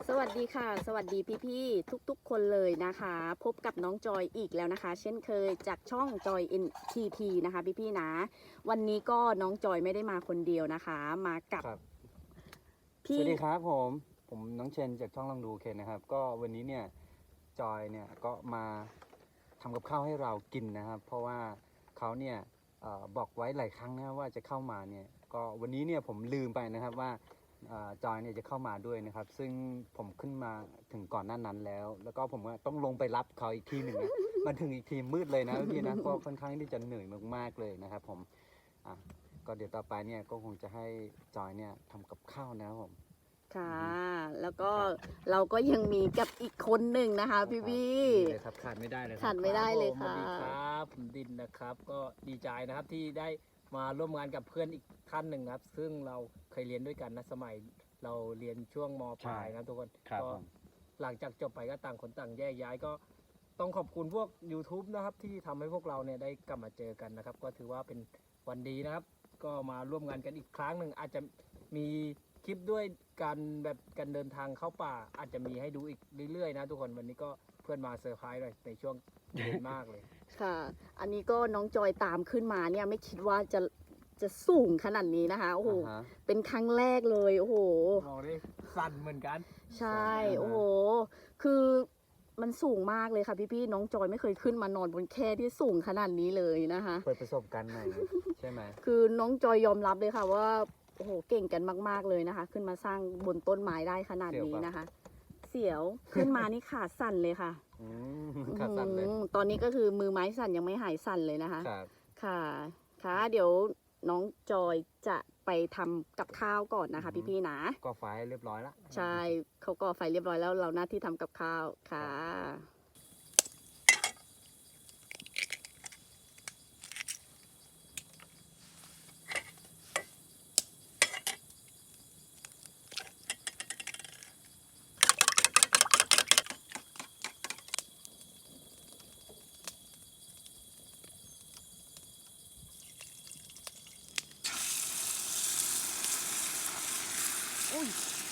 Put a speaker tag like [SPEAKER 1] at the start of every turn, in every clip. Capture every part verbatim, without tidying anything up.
[SPEAKER 1] สวัสดีค่ะสวัสดีพี่ๆทุกๆคนเลยนะคะพบกับน้องจอยอีกแล้วนะคะ เช่นเคยจากช่องจอย เอ็น ที ที นะคะพี่ๆนะวันนี้ก็น้องจอยไม่ได้มาคนเดียวนะคะมากับ
[SPEAKER 2] ครับ
[SPEAKER 1] พี่
[SPEAKER 2] สวัสดีครับผมผมน้องเชนจากช่องลองดูเคนนะครับก็วันนี้เนี่ยจอยเนี่ยก็มาทำกับข้าวให้เรากินนะครับ เพราะว่าเขาเนี่ยเออบอกไว้หลายครั้งนะว่าจะเข้ามาเนี่ยก็วันนี้เนี่ยผมลืมไปนะครับว่าเอ่อจอยเนี่ยจะเข้ามาด้วยนะครับ ซึ่งผมขึ้นมาถึงก่อนหน้านั้นแล้ว แล้วก็ผมก็ต้องลงไปรับเขาอีกทีหนึ่งนะ มาถึงอีกทีมืดเลยนะพี่นะก็ค่อนข้างที่จะเหนื่อยมากๆเลยนะครับผมอ่ะก็เดี๋ยวต่อไปเนี่ยก็คงจะให้จอยเนี่ยทำกับข้าวนะครับผม
[SPEAKER 1] ค่ะ แล้วก็เราก็ยังมีกับอีกคนหนึ่งนะคะพี่พี่
[SPEAKER 2] นี่เลยครับขาดไม่ได้เลยค
[SPEAKER 1] ขา
[SPEAKER 2] รั
[SPEAKER 1] ด
[SPEAKER 2] บ
[SPEAKER 1] ไม่ได้เลย
[SPEAKER 3] สวั
[SPEAKER 1] ค่ะ
[SPEAKER 3] สดีครับผมดินนะครับก็ดีใจนะครับที่ได้มาร่วมงานกับเพื่อนอีกท่านหนึ่งนะครับ ซึ่งเราเคยเรียนด้วยกันนะสมัยเราเรียนช่วงมปลายนะทุกคน
[SPEAKER 2] ครับ
[SPEAKER 3] ก็
[SPEAKER 2] ผม
[SPEAKER 3] หลังจากจบไปก็ต่างคนต่างแยกย้ายก็ต้องขอบคุณพวก YouTube นะครับที่ทำให้พวกเราเนี่ยได้กลับมาเจอกันนะครับ ก็ถือว่าเป็นวันดีนะครับ ก็มาร่วมงานกันอีกครั้งหนึ่งอาจจะมีคลิปด้วยการแบบการเดินทางเข้าป่า อาจจะมีให้ดูอีกเรื่อยๆนะทุกคนวันนี้ก็เพื่อนมาเซอร์ไพรส์เลยในช่วงเย็นมากเลย
[SPEAKER 1] ค่ะ อันนี้ก็น้องจอยตามขึ้นมาเนี่ยไม่คิดว่าจะจะสูงขนาดนี้นะคะโอ้โห
[SPEAKER 2] อ่าฮะ
[SPEAKER 1] เป็นครั้งแรกเลยโอ้โห
[SPEAKER 3] เราได้สั่นเหมือนกัน
[SPEAKER 1] ใช่
[SPEAKER 2] อ่าฮะ
[SPEAKER 1] โอ้โห คือมันสูงมากเลยค่ะพี่ๆ น้องจอยไม่เคยขึ้นมานอนบนแคร่ที่สูงขนาดนี้เลยนะคะ
[SPEAKER 2] เปิดประสบการณ์ใหม่ใช่ไหม
[SPEAKER 1] คือน้องจอยยอมรับเลยค่ะว่า โอ้โห เก่งกันมากๆเลยนะคะ ขึ้นมาสร้างบนต้นไม้ได้ขนาดนี้นะคะ เสียว ขึ้นมานี่ขาสั่นเลยค่ะ
[SPEAKER 2] อืมขาดสั่นเลย
[SPEAKER 1] อืมตอนนี้ก็คือมือไม้สั่นยังไม่หายสั่นเลยนะคะ
[SPEAKER 2] ครับ
[SPEAKER 1] ค่ะ ค่ะ เดี๋ยวน้องจอยจะไปทำกับข้าวก่อนนะคะ พี่ๆ นะ
[SPEAKER 2] ก็ไฟเรียบร้อยละ
[SPEAKER 1] ใช่ เขาก็ไฟเรียบร้อยแล้ว เราหน้าที่ทำกับข้าวค่ะ อุ้ย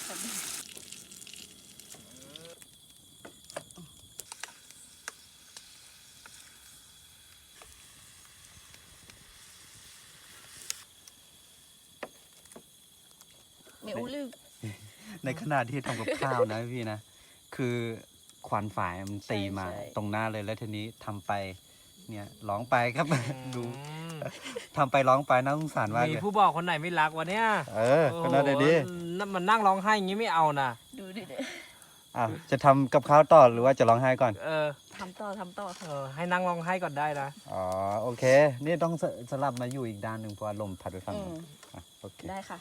[SPEAKER 1] ไม่อู้ลืม
[SPEAKER 2] ในขณะที่ทำกับข้าวนะพี่นะ คือควันฝ่ายมันตีมา
[SPEAKER 1] ใช่ใช่
[SPEAKER 2] ตรงหน้าเลยแล้วทีนี้ทำไปเนี่ยร้องไปครับ ดูทำไปร้องไปน่าสงสารมาก
[SPEAKER 3] มี
[SPEAKER 2] เลย
[SPEAKER 3] ผู้บอกคนไหนไม่รักวะเนี่ย
[SPEAKER 2] เออก็น่าได้ดี
[SPEAKER 3] โอ้โหนั่นมันนั่งร้องไห้อย่างงี้ไม่เอานะ
[SPEAKER 1] ดูดิเด้
[SPEAKER 2] อ่ะจะทำกับข้าวต่อหรือว่าจะร้องไห้ก่อน
[SPEAKER 3] เออ
[SPEAKER 1] ทำต่อทำต่อ
[SPEAKER 3] เออให้นั่งร้องไห้ก่อนได้นะ
[SPEAKER 2] อ๋อโอเค นี่ต้องสสลับมาอยู่อีกด้านหนึ่งเพราะว่าลมพัดไปฝั่ง
[SPEAKER 1] อื
[SPEAKER 2] นู้
[SPEAKER 1] ม
[SPEAKER 2] นอ่ะโอเค
[SPEAKER 1] ได้ค่ะ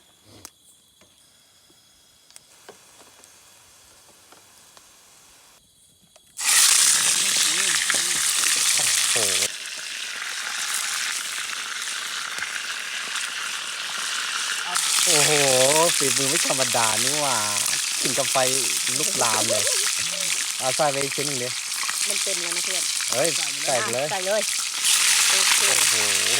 [SPEAKER 2] โอ้โหโอ้โหฝีมือไม่ธรรมดานี่หว่ากินกับไฟลุกลามเลยเอาใส่ไปอีกชิ้นหนึ่งดิ
[SPEAKER 1] มันเต็มแล้วนะเพื่อน
[SPEAKER 2] เฮ้ยใส่ไปเลย
[SPEAKER 1] ใส่เลย โอเค
[SPEAKER 2] โอ้โห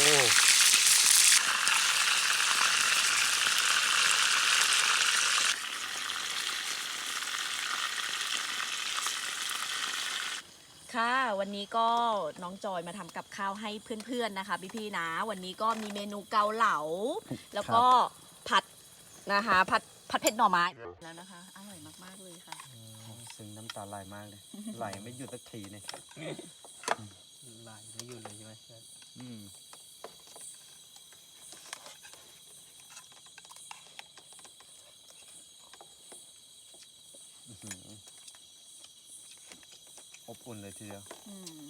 [SPEAKER 1] ค่ะ วันนี้ก็น้องจอยมาทำกับข้าวให้เพื่อนๆ นะคะพี่ๆ นะ วันนี้ก็มีเมนูเกาเหลา แล้วก็ผัดนะคะ ผัดผัดเผ็ดหน่อไม้แล้วนะคะ อร่อยมากๆ เลยค่ะ
[SPEAKER 2] ซึ้งน้ำตาไหลมากเลย ไหลไม่หยุดสักทีเนี่ย
[SPEAKER 3] ไหลไม่อยู่เลยใช่ไหม
[SPEAKER 2] อืมอื้อหืออบอุ่นเลยทีเดียว
[SPEAKER 1] อืม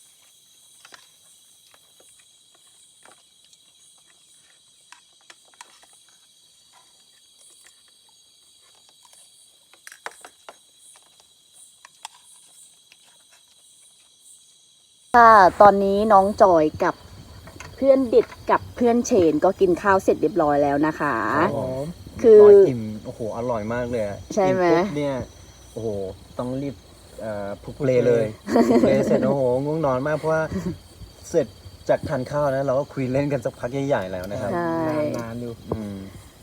[SPEAKER 1] ค่ะตอนนี้น้องจอยกับเพื่อนเด็ดกับเพื่อนเชนก็กินข้าวเสร็จเรียบร้อยแล้วนะคะ
[SPEAKER 2] ครับผม
[SPEAKER 1] คือ
[SPEAKER 2] ร้อยอิ่มโอ้โห อร่อยมากเลยอะ
[SPEAKER 1] ใช่ไหม
[SPEAKER 2] กินปุ๊บเนี่ย โอ้โห ต้องรีบเอ่อพลุกเพลเลยพลุกเพลเสร็จ โอ้โห ง่วงนอนมากเพราะว่าเสร็จจากทานข้าวนะ เราก็คุยเล่นกันสักพักใหญ่ๆแล้วนะครับ
[SPEAKER 1] ใช่
[SPEAKER 3] นานๆอยู่
[SPEAKER 2] อืม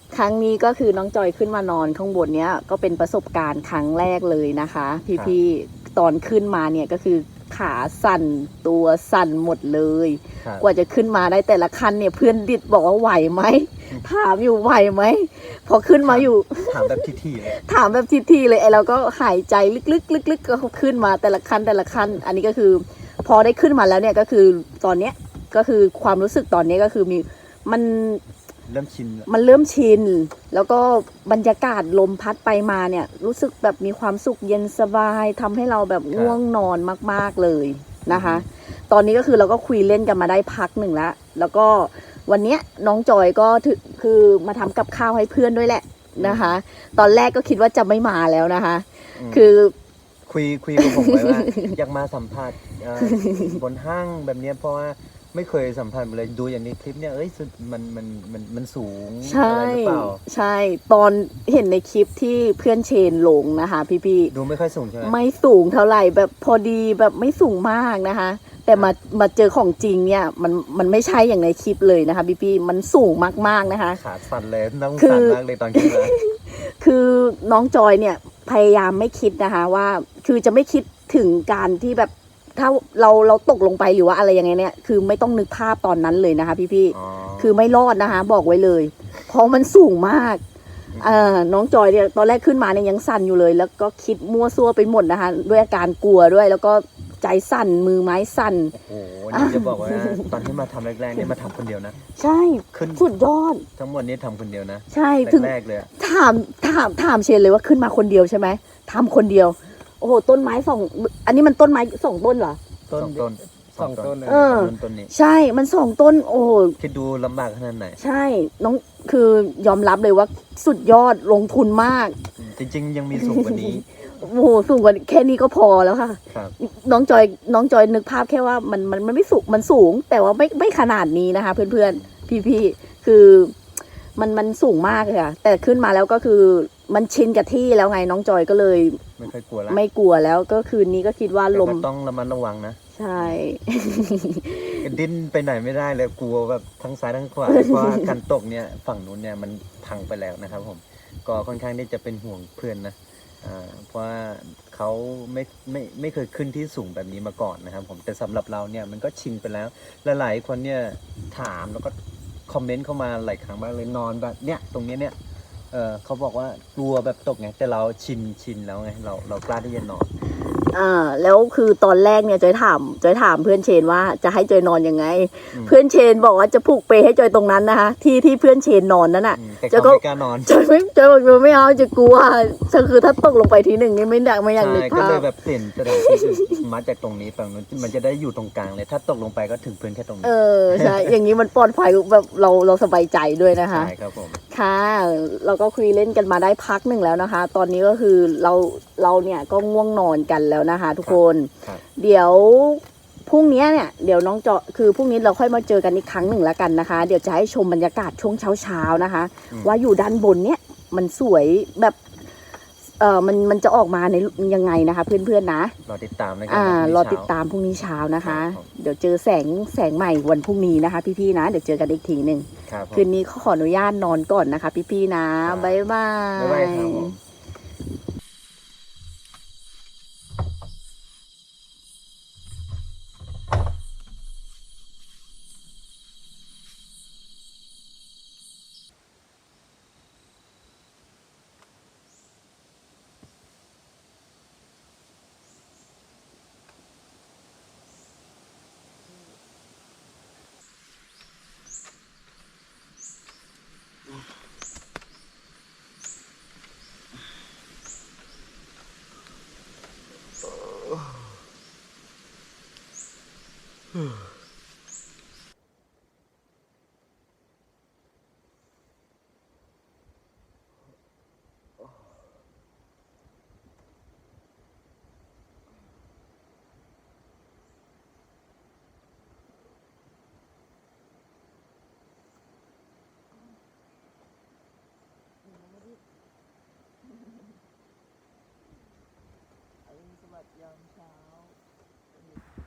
[SPEAKER 1] ครั้งนี้ก็คือน้องจอยขึ้นมานอนข้างบนเนี้ยก็เป็นประสบการณ์ครั้งแรกเลยนะคะ พี่ๆตอนขึ้นมาเนี่ยก็คือขาสั่นตัวสั่นหมดเลย
[SPEAKER 2] ครับ
[SPEAKER 1] กว่าจะขึ้นมาได้แต่ละขั้นเนี่ยเพื่อนดิดบอกว่าไหวไหมถามอยู่ไหวไหมพอขึ้นมาอยู่
[SPEAKER 2] ถามแบบที่ๆเลย
[SPEAKER 1] ถามแบบทีๆเลยไอ้เราก็หายใจลึกๆลึกๆก็ขึ้นมาแต่ละขั้นแต่ละขั้นอันนี้ก็คือ พอได้ขึ้นมาแล้วเนี่ยก็คือตอนเนี้ยก็คือความรู้สึกตอนนี้ก็คือมีมัน
[SPEAKER 2] เริ่มชินแล้ว
[SPEAKER 1] มันเริ่มชิน แล้วก็บรรยากาศลมพัดไปมาเนี่ย รู้สึกแบบมีความสุขเย็นสบายทำให้เราแบบง่วงนอนมากๆเลยนะคะ ตอนนี้ก็คือเราก็คุยเล่นกันมาได้พักหนึ่งแล้ว แล้วก็วันเนี้ยน้องจอยก็ถือคือมาทำกับข้าวให้เพื่อนด้วยแหละนะคะ ตอนแรกก็คิดว่าจะไม่มาแล้วนะคะ
[SPEAKER 2] ม
[SPEAKER 1] คือ
[SPEAKER 2] คุยคุยกับผมไว้ว่า อยากมาสัมผัสเอ่อบนห้างแบบเนี้ยเพราะว่าไม่เคยสัมผัสมาเลยดูอย่างในคลิปเนี่ยเอ้ยสุดมันมันมันมันสูง
[SPEAKER 1] ใช่
[SPEAKER 2] อะไรหรือเปล่า
[SPEAKER 1] ใช่ตอนเห็นในคลิปที่เพื่อนเชนลงนะคะพี่ๆ
[SPEAKER 2] ดูไม่ค่อยสูงใช่ไหม
[SPEAKER 1] ไม่สูงเท่าไหร่แบบพอดีแบบไม่สูงมากนะคะ แต่มามาเจอของจริงเนี่ยมันมันไม่ใช่อย่างในคลิปเลยนะคะพี่พี่ๆมันสูงมากๆนะคะ
[SPEAKER 2] ขาสั่นเลยต้อง
[SPEAKER 1] คือ
[SPEAKER 2] สั่นมากเลยตอนขึ้นมา
[SPEAKER 1] คือน้องจอยเนี่ยพยายามไม่คิดนะคะว่าคือจะไม่คิดถึงการที่แบบถ้าเราเราตกลงไปหรือว่าอะไรยังไงเนี่ยคือไม่ต้องนึกภาพตอนนั้นเลยนะคะพี่พี่ๆ
[SPEAKER 2] อ๋อ
[SPEAKER 1] คือไม่รอดนะคะ บอกไว้เลย เพราะมันสูงมากเอ่อน้องจอยเนี่ยตอนแรกขึ้นมาเนี่ยยังสั่นอยู่เลย แล้วก็คิดมั่วซั่วไปหมดนะคะ ด้วยอาการกลัวด้วย แล้วก็ใจสั่นมือไม้สั่น
[SPEAKER 2] โอ้โหนี่จะบอกว่า ตอนที่มาทำแรกๆเนี่ยมาทำคนเดียวนะ
[SPEAKER 1] ใช่
[SPEAKER 2] ขึ้น
[SPEAKER 1] สุดยอด
[SPEAKER 2] ทั้งหมดนี้ทำคนเดียวนะ
[SPEAKER 1] ใช่ถึง
[SPEAKER 2] แรกๆเลยอะ
[SPEAKER 1] ถามถามถามเชนเลยว่าขึ้นมาคนเดียวใช่ไหมทำคนเดียว โอ้โหต้นไม้สองอันนี้มันต้นไม้สองต้นเหรอ
[SPEAKER 2] ต้นต้น
[SPEAKER 3] สองต้นเลย
[SPEAKER 1] เออ
[SPEAKER 2] ต้นต้นนี้
[SPEAKER 1] ใช่มันสองต้น โอ้โห
[SPEAKER 2] คิดดูลำบากขนาดไหน
[SPEAKER 1] ใช่น้องคือยอมรับเลยว่าสุดยอดลงทุนมาก
[SPEAKER 2] จริง ๆ ยังมีสูงกว่านี้
[SPEAKER 1] โอ้โหสูงกว่าแค่นี้ก็พอแล้วค่ะ
[SPEAKER 2] ครับ
[SPEAKER 1] น้องจอยน้องจอยนึกภาพแค่ว่ามันมันมันไม่สูงมันสูง แต่ว่าไม่ไม่ขนาดนี้นะคะ เพื่อนๆพี่ๆคือมันมันสูงมากเลยค่ะแต่ขึ้นมาแล้วก็คือมันชินกับที่แล้วไงน้องจอยก็เลย
[SPEAKER 2] ไม่ค่อยกลัวละ
[SPEAKER 1] ไม่กลัวแล้วก็คืนนี้ก็คิดว่า
[SPEAKER 2] แต่
[SPEAKER 1] ลม
[SPEAKER 2] ก็ต้องระมัดระวังนะ
[SPEAKER 1] ใช่
[SPEAKER 2] ดิ้นไปไหนไม่ได้เลยกลัวแบบทั้งซ้ายทั้งขวา เพราะว่าการตกเนี่ยฝั่งนู้นเนี่ยมันพังไปแล้วนะครับผมก็ค่อนข้างที่จะเป็นห่วงเพื่อนนะอ่าเพราะว่าเขาไม่ไม่ไม่เคยขึ้นที่สูงแบบนี้มาก่อนนะครับผมแต่สำหรับเราเนี่ยมันก็ชินไปแล้วและหลายคนเนี่ยถามแล้วก็คอมเมนต์เข้ามาหลายครั้งมากเลยนอนแบบเนี้ยตรงเนี้ยเนี่ยเออเขาบอกว่ากลัวแบบตกไงแต่เราชินชินแล้วไงเราเรากล้าที่จะนอน
[SPEAKER 1] อ่าแล้วคือตอนแรกเนี่ยจอยถามจอยถามเพื่อนเชนว่าจะให้จอยนอนยังไง
[SPEAKER 2] อืม
[SPEAKER 1] เพื่อนเชนบอกว่าจะผูกเปให้จอยตรงนั้นนะคะที่ที่เพื่อนเชนนอนนั่นน่ะ
[SPEAKER 2] อืมแต่
[SPEAKER 1] จะ
[SPEAKER 2] เขา
[SPEAKER 1] ก็
[SPEAKER 2] ไม่กล้านอน
[SPEAKER 1] จอยไม่จอยบอกจอยไม่เอาจะกลัวก็คือถ้าตกลงไปทีหนึ่งนี่ไม่อยากไม่อยากนึก
[SPEAKER 2] ใช่ก็
[SPEAKER 1] ภา
[SPEAKER 2] เล
[SPEAKER 1] พ
[SPEAKER 2] ยแบบเปลี่ยนสถานที่อื่นมาจากตรงนี้ฝั่งนู้นมันจะได้อยู่ตรงกลางเลย ถ้าตกลงไปก็ถึงพื้นแค่ตรงนี้
[SPEAKER 1] เออใช่ อย่างนี้มันปลอดภัยแบบเราเราสบายใจด้วยนะคะ
[SPEAKER 2] ใช่ครับผม
[SPEAKER 1] ค่ะ เราก็คุยเล่นกันมาได้พักหนึ่งแล้วนะคะ ตอนนี้ก็คือเราเราเนี่ยก็ง่วงนอนกันแล้วนะคะ ทุกคน
[SPEAKER 2] ครับ
[SPEAKER 1] เดี๋ยวพรุ่งนี้เนี่ยเดี๋ยวน้องเจาะคือพรุ่งนี้เราค่อยมาเจอกันอีกครั้งหนึ่งแล้วกันนะคะ เดี๋ยวจะให้ชมบรรยากาศช่วงเช้าๆนะคะ
[SPEAKER 2] อืม
[SPEAKER 1] ว่าอยู่ด้านบนเนี่ยมันสวยแบบเออมันมันจะออกมาในยังไงนะคะ เพื่อนๆนะ
[SPEAKER 2] รอติดตามนะครั
[SPEAKER 1] อ่า
[SPEAKER 2] พงนี้
[SPEAKER 1] รอ
[SPEAKER 2] เช้
[SPEAKER 1] ติดตามพรุ่งนี้เช้านะคะ
[SPEAKER 2] ครับผม
[SPEAKER 1] เดี๋ยวเจอแสงแสงใหม่วันพรุ่งนี้นะคะ พี่ๆนะเดี๋ยวเจอกันอีกทีหนึ่ง
[SPEAKER 2] ครับผม
[SPEAKER 1] คืนนี้ขออนุญาตนอนก่อนนะคะ พี่ๆนะครับ บ๊ายบา
[SPEAKER 2] บ๊ายบายครับ
[SPEAKER 1] ย
[SPEAKER 2] ผม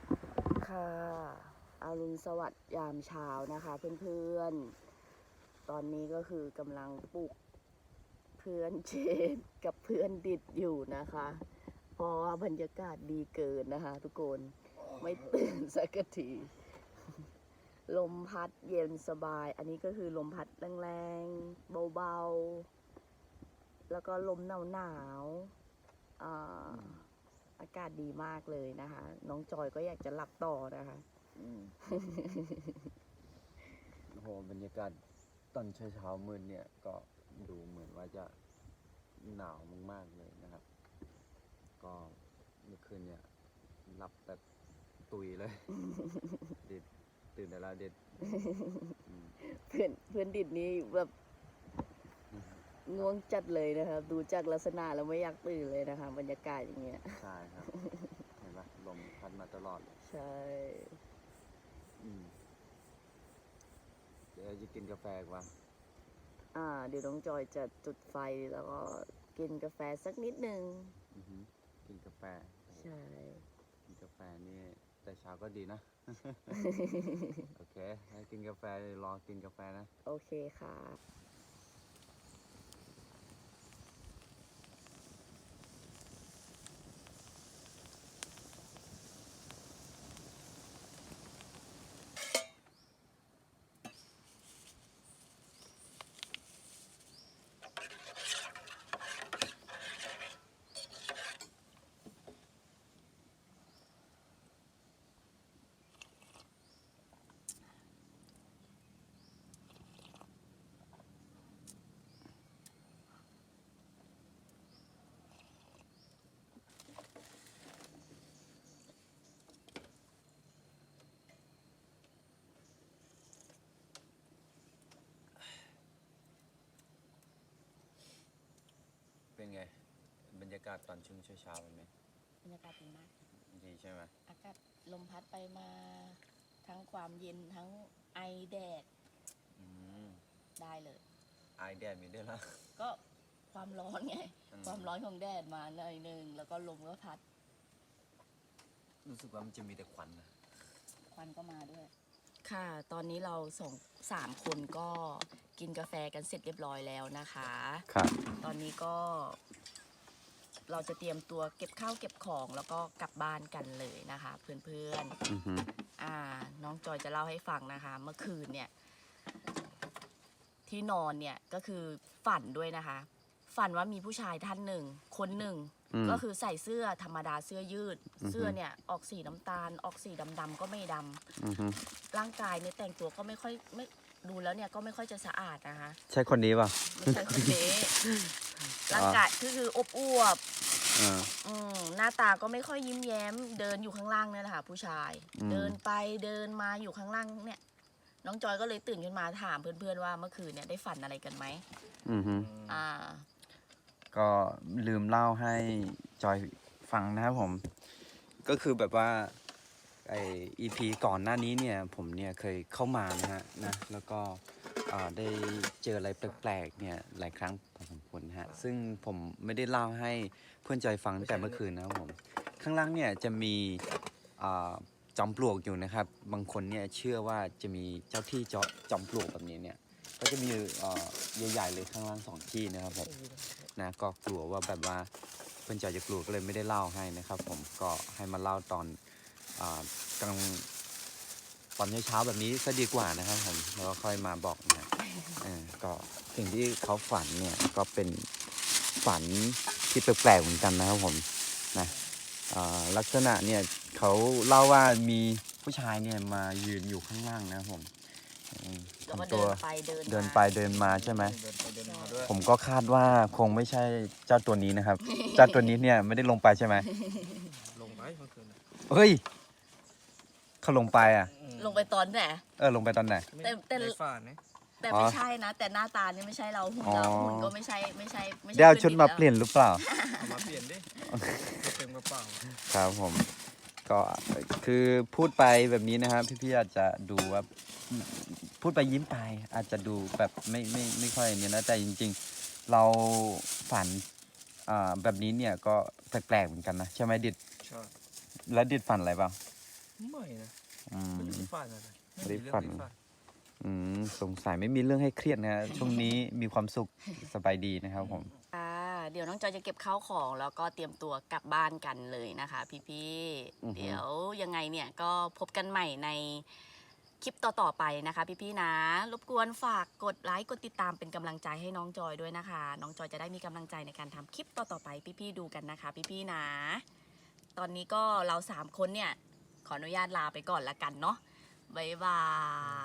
[SPEAKER 1] ค่ะอรุณสวัสดิ์ยามเช้านะคะ เพื่อนๆตอนนี้ก็คือกำลังปลุกเพื่อนเชนกับเพื่อนดิดอยู่นะคะ เพราะว่าบรรยากาศดีเกินนะคะ ทุกคนไม่ตื่นสักที ลมพัดเย็นสบาย อันนี้ก็คือลมพัดแรงๆเบาๆแล้วก็ลมหนาวๆอ่าอากาศดีมากเลยนะคะ น้องจอยก็อยากจะหลับต่อนะคะ
[SPEAKER 2] อืม โอ้โหบรรยากาศตอนเช้าเช้าๆมืดเนี่ยก็ดูเหมือนว่าจะหนาวมากๆเลยนะครับ ก็เมื่อคืนเนี่ยหลับแบบตุยเลย เด็ดตื่นแต่ละเด็ดอืม
[SPEAKER 1] เพื่อนเพื่อนดิดนี้แบบง่วงจัดเลยนะคะดูจากลักษณะแล้วไม่อยากตื่นเลยนะคะ บรรยากาศอย่างเงี้ย
[SPEAKER 2] ใช่ครับ เห็นปะลมพัดมาตลอด
[SPEAKER 1] ใช่
[SPEAKER 2] อืมเดี๋ยวจะกินกาแฟกว่า
[SPEAKER 1] อ่า เดี๋ยวน้องจอยจะจุดไฟแล้วก็กินกาแฟสักนิดนึง
[SPEAKER 2] อือหือกินกาแฟ
[SPEAKER 1] ใช่
[SPEAKER 2] กินกาแฟนี่แต่เช้าก็ดีนะ โอเคให้กินกาแฟรอกินกาแฟนะ
[SPEAKER 1] โอเคค่ะ
[SPEAKER 2] เป็นไง บรรยากาศตอนช่วงเช้าๆเป็นไหม
[SPEAKER 1] บรรยากาศดีมาก
[SPEAKER 2] ดีใช่ไหม
[SPEAKER 1] อากาศลมพัดไปมาทั้งความเย็นทั้งไอแดด
[SPEAKER 2] อืม
[SPEAKER 1] ได้เลย
[SPEAKER 2] ไอแดดมีด้วยนะ
[SPEAKER 1] ก็ความร้อนไง
[SPEAKER 2] อืม
[SPEAKER 1] ความร้อนของแดดมาหน่อยหนึงแล้วก็ลมก็พัด
[SPEAKER 2] รู้สึกว่ามันจะมีแต่ควันนะ
[SPEAKER 1] ควันก็มาด้วย ค่ะ ตอนนี้เราสองสามคนก็กินกาแฟกันเสร็จเรียบร้อยแล้วนะคะ
[SPEAKER 2] ครับ
[SPEAKER 1] ตอนนี้ก็เราจะเตรียมตัวเก็บข้าวเก็บของแล้วก็กลับบ้านกันเลยนะคะ เพื่อน
[SPEAKER 2] อือหือ
[SPEAKER 1] ๆอ่า น้องจอยจะเล่าให้ฟังนะคะ เมื่อคืนเนี่ย ที่นอนเนี่ยก็คือฝันด้วยนะคะ ฝันว่ามีผู้ชายท่านหนึ่ง คนหนึ่ง
[SPEAKER 2] อืม
[SPEAKER 1] ก็คือใส่เสื้อธรรมดาเสื้อยืด
[SPEAKER 2] อือฮึ
[SPEAKER 1] เสื้อเนี่ยออกสีน้ำตาล ออกสีดำๆก็ไม่ดำ
[SPEAKER 2] อือหือ
[SPEAKER 1] ร่างกายเนี่ยแต่งตัวก็ไม่ค่อยไม่ดูแล้วเนี่ยก็ไม่ค่อยจะสะอาดนะคะ
[SPEAKER 2] ใช่คนนี้ป่ะ
[SPEAKER 1] ไม่ใช่คนนี้ ร่างกายก็คืออบอวบ
[SPEAKER 2] อ่า
[SPEAKER 1] อืมหน้าตาก็ไม่ค่อยยิ้มแย้ม เดินอยู่ข้างล่างเนี่ยแหละค่ะผู้ชาย
[SPEAKER 2] อืม
[SPEAKER 1] เดินไปเดินมาอยู่ข้างล่างเนี่ย น้องจอยก็เลยตื่นขึ้นมาถามเพื่อนๆว่าเมื่อคืนเนี่ยได้ฝันอะไรกันไหม
[SPEAKER 2] อือหือ
[SPEAKER 1] อ่า
[SPEAKER 2] ก็ลืมเล่าให้จอยฟังนะครับผม ก็คือแบบว่าไอ อี พี ก่อนหน้านี้เนี่ยผมเนี่ยเคยเข้ามานะฮะนะแล้วก็อ่าได้เจออะไรแปลกๆเนี่ยหลายครั้งพอสมควรนะฮะซึ่งผมไม่ได้เล่าให้เพื่อนจอยฟังตั้งแต่เมื่อคืนนะครับผม ข้างล่างเนี่ยจะมีอ่าจอมปลวกอยู่นะครับ บางคนเนี่ยเชื่อว่าจะมีเจ้าที่จอจอมปลวกแบบนี้เนี่ยก็จะมีเอ่อใหญ่ๆเลยข้างล่างสองที่นะครับผม นะก็กลัวว่าแบบว่าเพื่อนจอยจะกลัวก็เลยไม่ได้เล่าให้นะครับ ผมก็ให้มาเล่าตอนอากลางตอนเช้าๆแบบนี้ซะดีกว่านะครับผมแล้วก็ค่อยมาบอกนะเออก็สิ่งที่เขาฝันเนี่ยก็เป็นฝันที่แปลกๆเหมือนกันนะครับผมนะอ่าลักษณะเนี่ยเขาเล่าว่ามีผู้ชายเนี่ยมายืนอยู่ข้างล่างนะครับผมอืม
[SPEAKER 1] แล้วก็
[SPEAKER 2] ทำ
[SPEAKER 1] เดิ
[SPEAKER 2] ตัวน
[SPEAKER 1] ไปเดิน
[SPEAKER 2] เดิน
[SPEAKER 1] มา
[SPEAKER 2] ไปเดินมาใช่ไหม
[SPEAKER 3] เดินไปเดินมาด้วย
[SPEAKER 2] ผมก็คาดว่าคงไม่ใช่เจ้าตัวนี้นะครับ เจ้าตัวนี้เนี่ยไม่ได้ลงไปใช่ไหม
[SPEAKER 3] ลงไปเมื่อคืนน่ะ
[SPEAKER 2] เฮ้ยเขาลงไปอ่ะ
[SPEAKER 3] อืม
[SPEAKER 1] ลงไปตอนไหน
[SPEAKER 2] เออลงไปตอนไหน
[SPEAKER 3] ไม่
[SPEAKER 1] แต่แต่
[SPEAKER 3] ในฝันนะ
[SPEAKER 1] แต่
[SPEAKER 2] อ๋อ
[SPEAKER 1] ไม่ใช่นะ แต่หน้าตานี่ไม่ใช่เราหุ่นเรา
[SPEAKER 2] อ๋อ
[SPEAKER 1] หุ่นก็ไม่ใช่ไม่ใช่ไม่ใช่
[SPEAKER 2] เดี๋ยวเอา
[SPEAKER 1] พื่
[SPEAKER 2] ชุด
[SPEAKER 1] น
[SPEAKER 2] มา
[SPEAKER 1] แล้ว
[SPEAKER 2] เปลี่ยนหรือเปล่า
[SPEAKER 3] เอามาเปลี่ยนดิเต็มกระเป๋า
[SPEAKER 2] ครับผม ก็คือพูดไปแบบนี้นะครับ พี่ๆอาจจะดูว่าพูดไปยิ้มไป อาจจะดูแบบไม่ไม่ไม่ค่อยเนี่ยนะแต่จริงๆ เราฝันอ่าแบบนี้เนี่ยก็แปลกๆเหมือนกันนะใช่ไหมดิด
[SPEAKER 3] ใช่
[SPEAKER 2] แล้วดิดฝันอะไรบ้าง
[SPEAKER 3] ไม่นะ
[SPEAKER 2] อืม
[SPEAKER 3] ไม่ได้ฝันอะไร
[SPEAKER 2] ไม่ได้ฝัน
[SPEAKER 3] มีเรื่อง
[SPEAKER 2] อืมสงสัยไม่มีเรื่องให้เครียดนะฮะ ช่วงนี้มีความสุขสบายดีนะครับผม
[SPEAKER 1] อ่าเดี๋ยวน้องจอยจะเก็บข้าวของแล้วก็เตรียมตัวกลับบ้านกันเลยนะคะ พี่
[SPEAKER 2] อือฮึ
[SPEAKER 1] ๆเดี๋ยวยังไงเนี่ยก็พบกันใหม่ในคลิปต่อๆไปนะคะ พี่ๆนะ รบกวนฝากกดไลค์กดติดตามเป็นกำลังใจให้น้องจอยด้วยนะคะ น้องจอยจะได้มีกำลังใจในการทำคลิปต่อๆไปพี่ๆดูกันนะคะ พี่ๆนะ ตอนนี้ก็เราสามคนเนี่ยขออนุญาตลาไปก่อนละกันเนาะบ๊ายบาย